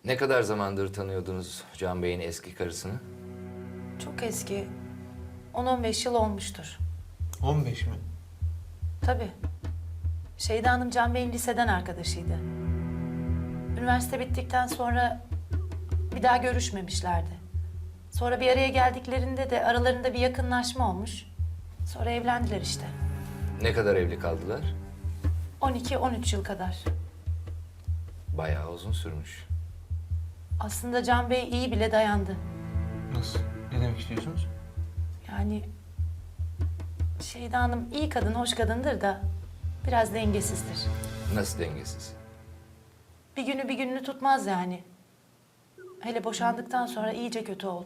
Ne kadar zamandır tanıyordunuz Can Bey'in eski karısını? Çok eski. 10-15 yıl olmuştur. 15 mi? Tabii. Şeyda Hanım Can Bey'in liseden arkadaşıydı. Üniversite bittikten sonra bir daha görüşmemişlerdi. Sonra bir araya geldiklerinde de aralarında bir yakınlaşma olmuş. Sonra evlendiler işte. Ne kadar evli kaldılar? 12-13 yıl kadar. Bayağı uzun sürmüş. Aslında Can Bey iyi bile dayandı. Nasıl? Ne demek istiyorsunuz? Yani Şeyda Hanım iyi kadın, hoş kadındır da biraz dengesizdir. Nasıl dengesiz? Bir günü bir gününü tutmaz yani. Hele boşandıktan sonra iyice kötü oldu.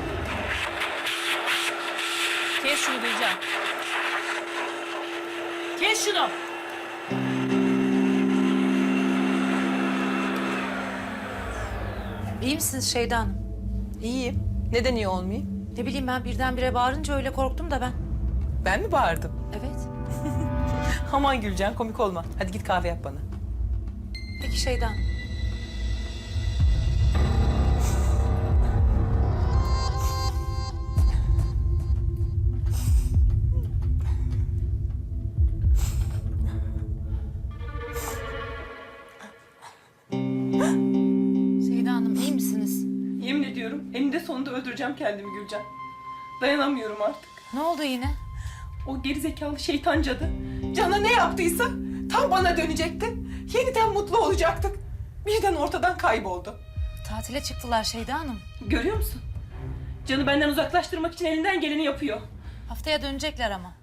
Kes şunu Gülcan. Kes şunu. İyi misiniz Şeyda Hanım? İyiyim. Neden iyi olmayayım? Ne bileyim ben birdenbire bağırınca öyle korktum da ben. Ben mi bağırdım? Evet. Aman Gülcan komik olma. Hadi git kahve yap bana. Peki Şeyda Hanım. Şeyda Hanım iyi misiniz? Yemin ediyorum eninde sonunda öldüreceğim kendimi Gülcan. Dayanamıyorum artık. Ne oldu yine? O gerizekalı şeytan cadı Can'a ne yaptıysa tam bana dönecekti. Yeniden mutlu olacaktık. Birden ortadan kayboldu. Tatile çıktılar Şeyda Hanım. Görüyor musun? Can'ı benden uzaklaştırmak için elinden geleni yapıyor. Haftaya dönecekler ama.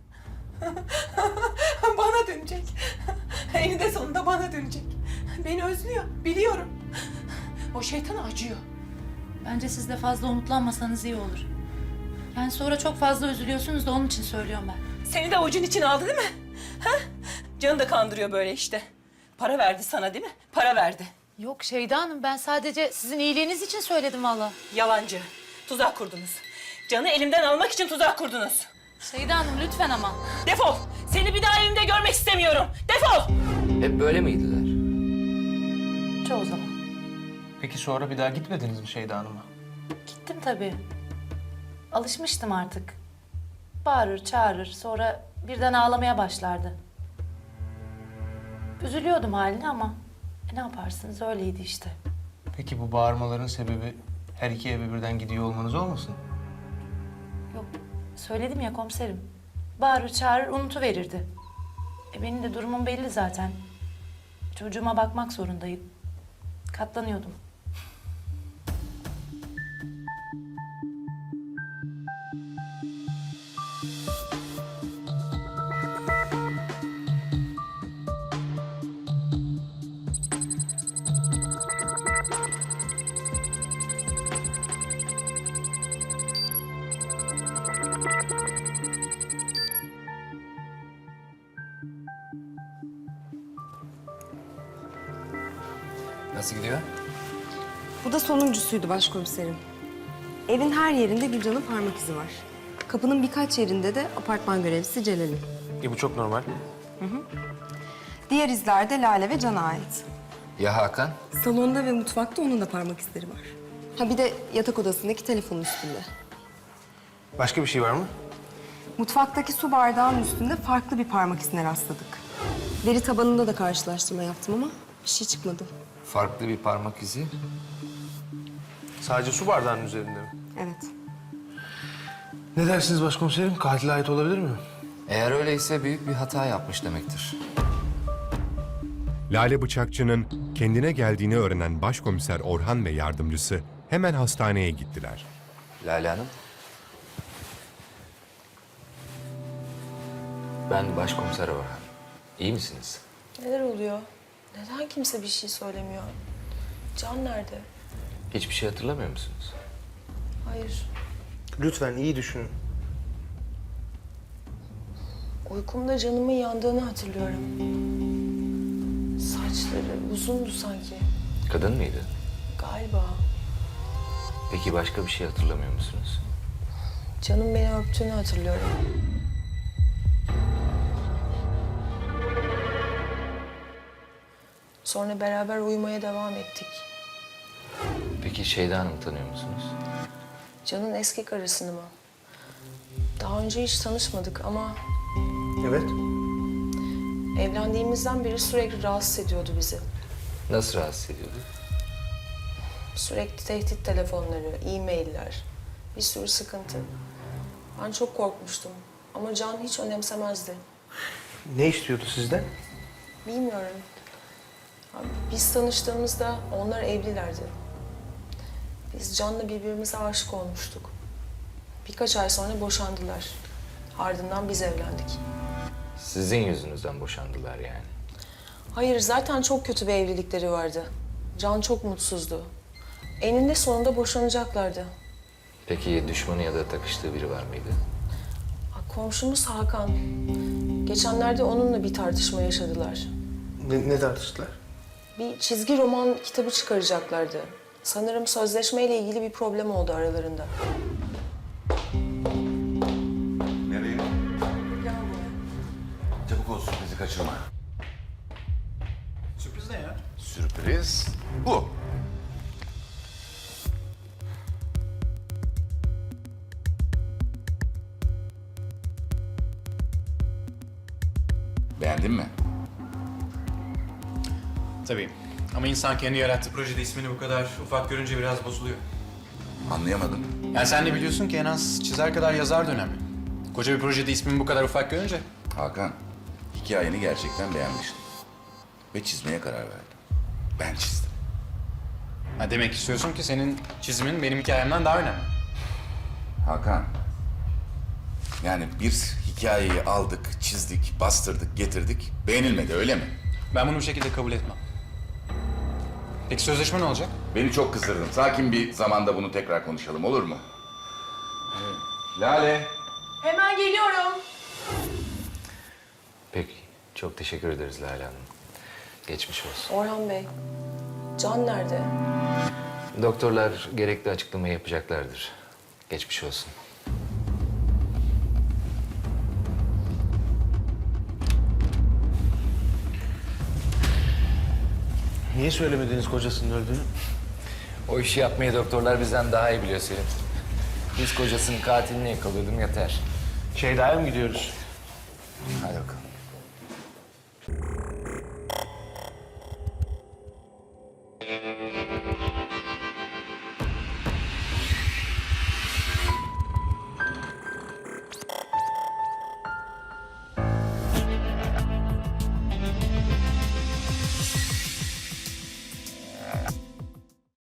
Bana dönecek. Eninde sonunda bana dönecek. Beni özlüyor, biliyorum. O şeytana acıyor. Bence siz de fazla umutlanmasanız iyi olur. Yani sonra çok fazla üzülüyorsunuz da onun için söylüyorum ben. Seni de avucun içine aldı değil mi? Ha? Canı da kandırıyor böyle işte. Para verdi sana değil mi? Para verdi. Yok Şeyda Hanım ben sadece sizin iyiliğiniz için söyledim valla. Yalancı. Tuzak kurdunuz. Canı elimden almak için tuzak kurdunuz. Şeyda Hanım lütfen ama. Defol. Seni bir daha evimde görmek istemiyorum. Defol. Hep böyle miydiler? Çoğu zaman. Peki sonra bir daha gitmediniz mi Şeyda Hanım'a? Gittim tabii. Alışmıştım artık. Bağırır, çağırır. Sonra birden ağlamaya başlardı. Üzülüyordum haline ama ne yaparsınız öyleydi işte. Peki bu bağırmaların sebebi her iki eve birden gidiyor olmanız olmasın? Yok, söyledim ya komiserim. Bağırır, çağırır, unutuverirdi. Benim de durumum belli zaten. Çocuğuma bakmak zorundayım. Katlanıyordum. Nasıl gidiyor? Bu da sonuncusuydu başkomiserim. Evin her yerinde Gülcan'ın parmak izi var. Kapının birkaç yerinde de apartman görevlisi Celal'in. Bu çok normal. Diğer izler de Lale ve Can'a ait. Ya Hakan? Salonda ve mutfakta onun da parmak izleri var. Ha bir de yatak odasındaki telefonun üstünde. Başka bir şey var mı? Mutfaktaki su bardağının üstünde farklı bir parmak izine rastladık. Veri tabanında da karşılaştırma yaptım ama bir şey çıkmadı. Farklı bir parmak izi. Sadece su bardağının üzerinde mi? Evet. Ne dersiniz başkomiserim? Katile ait olabilir mi? Eğer öyleyse büyük bir hata yapmış demektir. Lale Bıçakçı'nın kendine geldiğini öğrenen Başkomiser Orhan ve yardımcısı hemen hastaneye gittiler. Lale Hanım. Ben Başkomiser Orhan. İyi misiniz? Neler oluyor? Neden kimse bir şey söylemiyor? Can nerede? Hiçbir şey hatırlamıyor musunuz? Hayır. Lütfen iyi düşünün. Uykumda canımın yandığını hatırlıyorum. Saçları uzundu sanki. Kadın mıydı? Galiba. Peki başka bir şey hatırlamıyor musunuz? Canım beni öptüğünü hatırlıyorum. Sonra beraber uyumaya devam ettik. Peki Şeyda Hanım'ı tanıyor musunuz? Can'ın eski karısını mı? Daha önce hiç tanışmadık ama Evet. evlendiğimizden beri sürekli rahatsız ediyordu bizi. Nasıl rahatsız ediyordu? Sürekli tehdit telefonları, e-mailler, bir sürü sıkıntı. Ben çok korkmuştum ama Can hiç önemsemezdi. Ne istiyordu sizden? Bilmiyorum. Abi, biz tanıştığımızda onlar evlilerdi. Biz Can'la birbirimize aşık olmuştuk. Birkaç ay sonra boşandılar. Ardından biz evlendik. Sizin yüzünüzden boşandılar yani. Hayır, zaten çok kötü bir evlilikleri vardı. Can çok mutsuzdu. Eninde sonunda boşanacaklardı. Peki düşmanı ya da takıştığı biri var mıydı? Komşumuz Hakan. Geçenlerde onunla bir tartışma yaşadılar. Ne tartıştılar? Bir çizgi roman kitabı çıkaracaklardı. Sanırım sözleşmeyle ilgili bir problem oldu aralarında. Nereye? Çabuk ol, sürprizi kaçırma. Sürpriz ne ya? Sürpriz bu. Beğendin mi? Tabii. Ama insan kendi yarattığı projede ismini bu kadar ufak görünce biraz bozuluyor. Anlayamadım. Yani sen de biliyorsun ki en az çizer kadar yazar da önemli. Koca bir projede ismini bu kadar ufak görünce... Hakan, hikayeni gerçekten beğenmiştim. Ve çizmeye karar verdim. Ben çizdim. Ha, demek istiyorsun ki senin çizimin benim hikayemden daha önemli. Hakan, yani bir hikayeyi aldık, çizdik, bastırdık, getirdik. Beğenilmedi, öyle mi? Ben bunu bu şekilde kabul etmem. Peki sözleşme ne olacak? Beni çok kızdırdın. Sakin bir zamanda bunu tekrar konuşalım, olur mu? Lale. Hemen geliyorum. Peki, çok teşekkür ederiz Lale Hanım. Geçmiş olsun. Orhan Bey, Can nerede? Doktorlar gerekli açıklamayı yapacaklardır. Geçmiş olsun. Niye söylemediniz kocasının öldüğünü? O işi yapmayı doktorlar bizden daha iyi biliyor Selim. Biz kocasının katilini yakalıyordum yeter. Şeyda'ya mı gidiyoruz? Hadi bakalım.